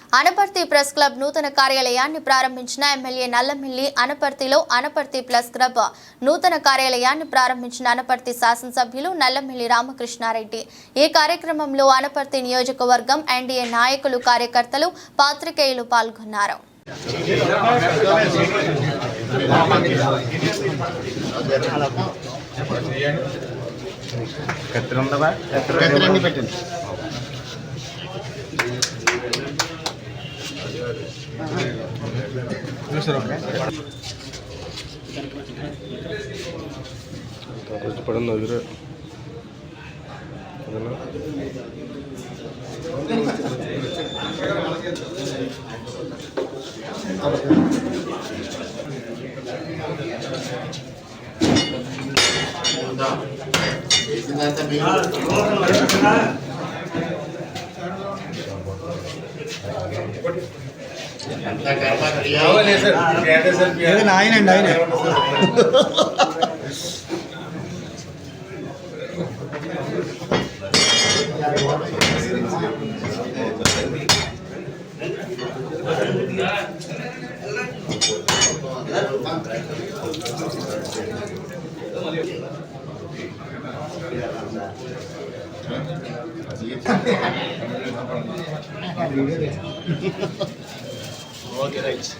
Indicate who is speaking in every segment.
Speaker 1: Anaparthi press club నూతన కార్యాలయాన్ని ప్రారంభించిన ఎమ్మెల్యే నల్లమిల్లి అనపర్తిలో అనపర్తి ప్రెస్ క్లబ్ నూతన కార్యాలయాన్ని ప్రారంభించిన అనపర్తి శాసనసభ్యులు నల్లమిల్లి రామకృష్ణారెడ్డి ఈ కార్యక్రమంలో అనపర్తి నియోజకవర్గం ఎన్డీఏ నాయకులు కార్యకర్తలు పాత్రికేయులు పాల్గొన్నారు.
Speaker 2: కష్టపడండి ఎదురు
Speaker 3: ఆయనండి ఆయన
Speaker 4: ఓకే రైట్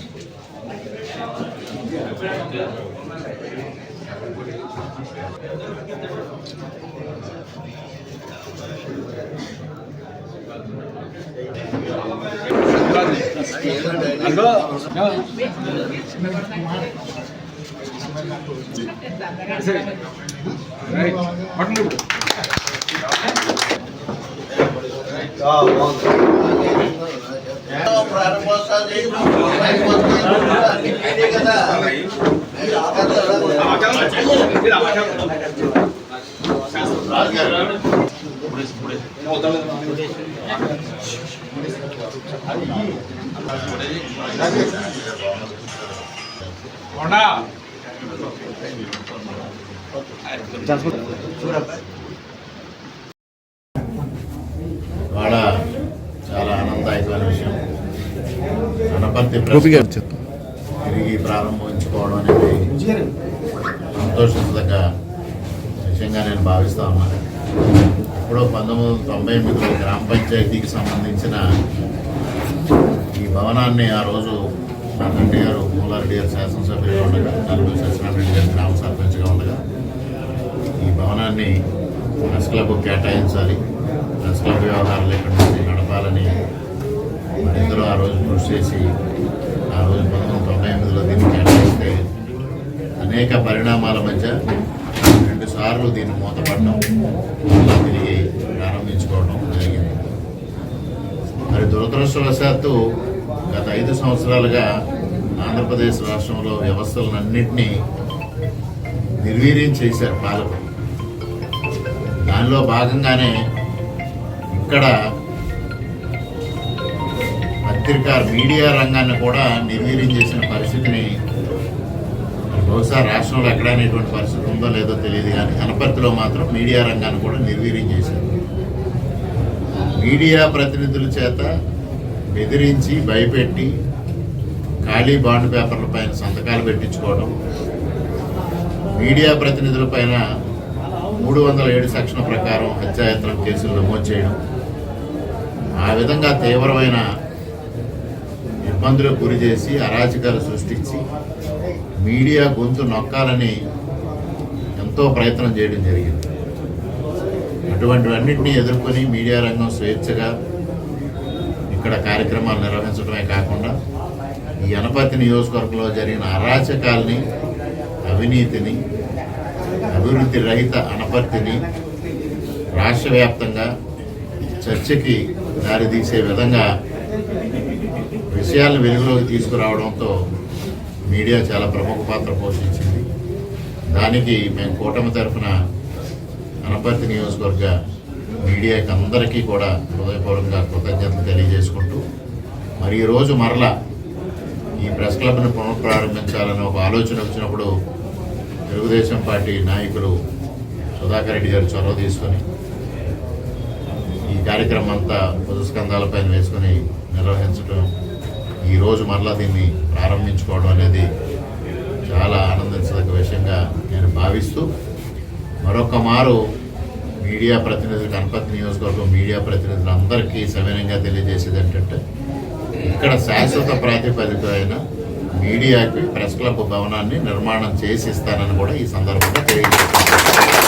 Speaker 5: వాళ్ళ చాలా ఆనందదాయకమైన విషయం. అనపర్తి తిరిగి ప్రారంభించుకోవడం అనేది సంతోషించదగ్గ విషయంగా నేను భావిస్తా ఉన్నాను. ఇప్పుడు 1998లో గ్రామ పంచాయతీకి సంబంధించిన ఈ భవనాన్ని ఆ రోజు మా తండ్రి గారు మూలారెడ్డి గారు శాసనసభ్యులుగా ఉండగా, నలుగురు సత్యనారాయణ గారు గ్రామ సర్పంచ్గా ఉండగా ఈ భవనాన్ని ప్రెస్ క్లబ్ కేటాయించాలి, ప్రెస్ క్లబ్ వ్యవహారాలు ఇక్కడ నుంచి నడపాలని మరిద్దరూ ఆ రోజు కృషి చేసి ఆ రోజు 1998లో దీన్ని కేటాయిస్తే అనేక పరిణామాల మధ్య 2 సార్లు దీన్ని మూతపడడం, మళ్ళా తిరిగి ప్రారంభించుకోవడం జరిగింది. మరి దురదృష్టవశాత్తు గత 5 సంవత్సరాలుగా ఆంధ్రప్రదేశ్ రాష్ట్రంలో వ్యవస్థలన్నింటినీ నిర్వీర్యం చేశారు పాలకులు. దానిలో భాగంగానే ఇక్కడ పత్రికా మీడియా రంగాన్ని కూడా నిర్వీర్యం చేసిన పరిస్థితిని బహుశా రాష్ట్రంలో ఎక్కడైనా ఇటువంటి పరిస్థితి ఉందో లేదో తెలియదు, కానీ అనపర్తిలో మాత్రం మీడియా రంగాన్ని కూడా నిర్వీర్యం చేశారు. మీడియా ప్రతినిధుల చేత బెదిరించి భయపెట్టి ఖాళీ బాండ్ పేపర్ల పైన సంతకాలు పెట్టించుకోవడం, మీడియా ప్రతినిధుల పైన 307 సెక్షన్ ప్రకారం హత్యాయత్నం కేసులు నమోదు చేయడం, ఆ విధంగా తీవ్రమైన ఇబ్బందులకు గురి చేసి అరాచకాలు సృష్టించి మీడియా గొంతు నొక్కాలని ఎంతో ప్రయత్నం చేయడం జరిగింది. అటువంటివన్నింటినీ ఎదుర్కొని మీడియా రంగం స్వేచ్ఛగా ఇక్కడ కార్యక్రమాలు నిర్వహించడమే కాకుండా ఈ అనపర్తి నియోజకవర్గంలో జరిగిన అరాచకాల్ని, అవినీతిని, అభివృద్ధి రహిత అనపర్తిని రాష్ట్ర వ్యాప్తంగా చర్చకి దారితీసే విధంగా విషయాలను వెలుగులోకి తీసుకురావడంతో మీడియా చాలా ప్రముఖ పాత్ర పోషించింది. దానికి మేము కూటమి తరఫున అనపర్తి నియోజకవర్గ మీడియాకి అందరికీ కూడా హృదయపూర్వకంగా కృతజ్ఞతలు తెలియజేసుకుంటూ, మరి ఈరోజు మరలా ఈ ప్రెస్ క్లబ్ను పునఃప్రారంభించాలని ఒక ఆలోచన వచ్చినప్పుడు తెలుగుదేశం పార్టీ నాయకులు సుధాకర్ రెడ్డి గారు చొరవ తీసుకొని ఈ కార్యక్రమం అంతా భుజస్కంధాలపైన వేసుకొని నిర్వహించారు. ఈరోజు మరలా దీన్ని ప్రారంభించుకోవడం అనేది చాలా ఆనందించదగ్గ విషయంగా నేను భావిస్తూ మరొక మారు మీడియా ప్రతినిధులు కనపర్తి నియోజకవర్గం మీడియా ప్రతినిధులందరికీ సవినయంగా తెలియజేసేది ఏంటంటే ఇక్కడ శాశ్వత ప్రాతిపదికన మీడియాకి ప్రెస్ క్లబ్ భవనాన్ని నిర్మాణం చేసి ఇస్తానని కూడా ఈ సందర్భంగా తెలియజేస్తాను.